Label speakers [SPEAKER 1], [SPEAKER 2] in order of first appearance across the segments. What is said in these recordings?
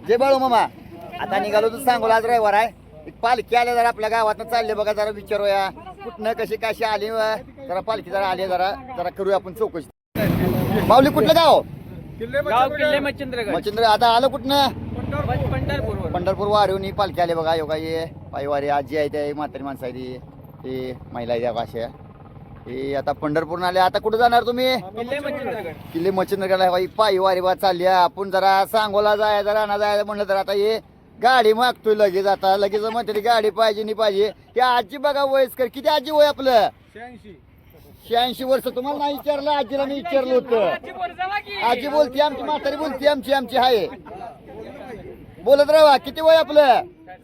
[SPEAKER 1] जय बाळू मामा. आता निघालो तर सांगू आज रविवार आहे. एक पालखी आल्या जरा आपल्या गावातनं चालले बघा, जरा विचारूया कुठनं कशी कशी आली जरा पालखी जरा आली जरा जरा करूया आपण चौकशी. माऊली कुठलं गाव?
[SPEAKER 2] किल्ले मच्छिंद्रगड.
[SPEAKER 1] मच्छिंद्र. आता आलं कुठनं?
[SPEAKER 2] पंढरपूर.
[SPEAKER 1] पंढरपूर वारीहून ही पालखी आली बघा. योगा ये पायवारी आजी आहे त्या म्हातारी माणसं आहे ती महिला आहे त्या भाषा ही. आता पंढरपूर आले. आता कुठं जाणार तुम्ही?
[SPEAKER 2] किल्ले मच्छिंद्रगड.
[SPEAKER 1] किल्ले मच्छिंद्रगडला पायी वारी बा चालली आहे. आपण जरा सांगोला जायचं राणा जायचं म्हणलं तर आता हे गाडी मागतोय लगेच. आता लगेच म्हणते गाडी पाहिजे नाही पाहिजे. त्या आजी बघा वयस्कर किती आजी वय आपलं 86 वर्ष. तुम्हाला नाही विचारलं, आजीला मी विचारलं होतं. आजी बोलती आमची, म्हातारी बोलती आमची आहे. बोलत राहा. किती वय आपलं?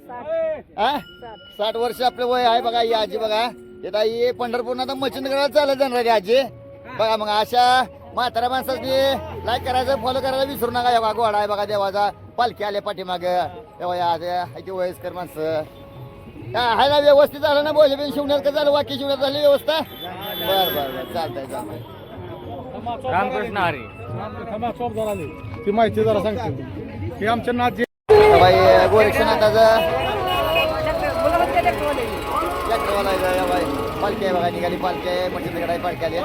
[SPEAKER 1] 60 वर्ष आपलं वय आहे बघा. ही आजी बघा येता ये पंढरपूर आता मच्छिंद्रगडला चालत जाणार आजी बघा. मग अशा म्हाताऱ्या माणसाची लाईक करायचं फॉलो करायला विसरू नका. बघा गोडा आहे बघा देवाचा. पालखी आल्या पाठीमाग तेव्हा वयस्कर माणसं आहे ना. व्यवस्थित झालं ना? बोल शिवण्यात का झालं? वाक्य शिवण्यात झाली व्यवस्था? बरं चालतंय.
[SPEAKER 2] रामकृष्ण हरी.
[SPEAKER 3] ती माहिती जरा सांगते. हे आमच्या नाथ
[SPEAKER 1] बाई गोरक्षनाथाचं पालखी आहे बघा. निघाली पालखी आहे. मच्छिंद्रगड आहे. पालखी आली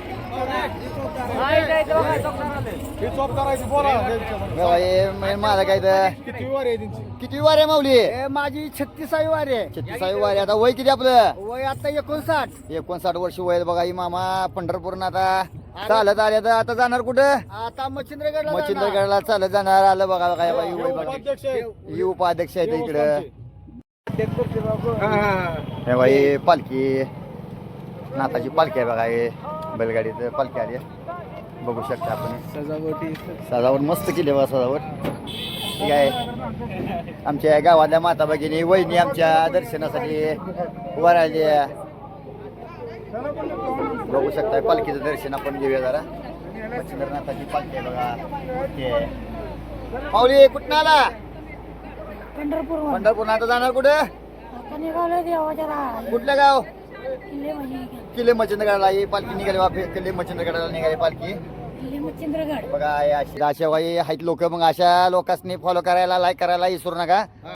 [SPEAKER 1] माझा काय तर
[SPEAKER 3] किती वार आहे त्यांची?
[SPEAKER 1] किती वार आहे माऊली?
[SPEAKER 2] माझी 36वी वारी आहे.
[SPEAKER 1] 36 वार आहे. आता वय किती आपलं?
[SPEAKER 2] वय आता 59.
[SPEAKER 1] वर्ष वय बघा. ही मामा पंढरपूर आता चालत आले. तर आता जाणार कुठं?
[SPEAKER 2] आता मच्छिंद्रगड.
[SPEAKER 1] मच्छिंद्रगडला चालत जाणार. आलं बघा बघा. वय बघा.
[SPEAKER 3] उपाध्यक्ष आहे.
[SPEAKER 1] ही उपाध्यक्ष आहे इकडं.
[SPEAKER 3] हा, हा.
[SPEAKER 1] हे बाई पालखी नाथाची पालखी आहे बघा. हे बैलगाडीत पालखी आली आहे. बघू शकता आपण. सजावट मस्त केली बघा. सजावट ठीक आहे. आमच्या गावातल्या माता भगिनी वहिनी आमच्या दर्शनासाठी उभा राहिली. बघू शकता पालखीचं दर्शन आपण घेऊया जरा. मच्छिंद्रनाथाची पालखी आहे बघा. माऊली कुठं आला? पंढरपूर. आता जाणार कुठं? कुठलं गाव? किल्ले मच्छिंद्रगडला ही पालखी निघाली बा. किल्ले मच्छिंद्रगडला निघाली पालखी बघा. अशा आहेत लोक. मग अशा लोकांनी फॉलो करायला लाईक करायला विसरू नका.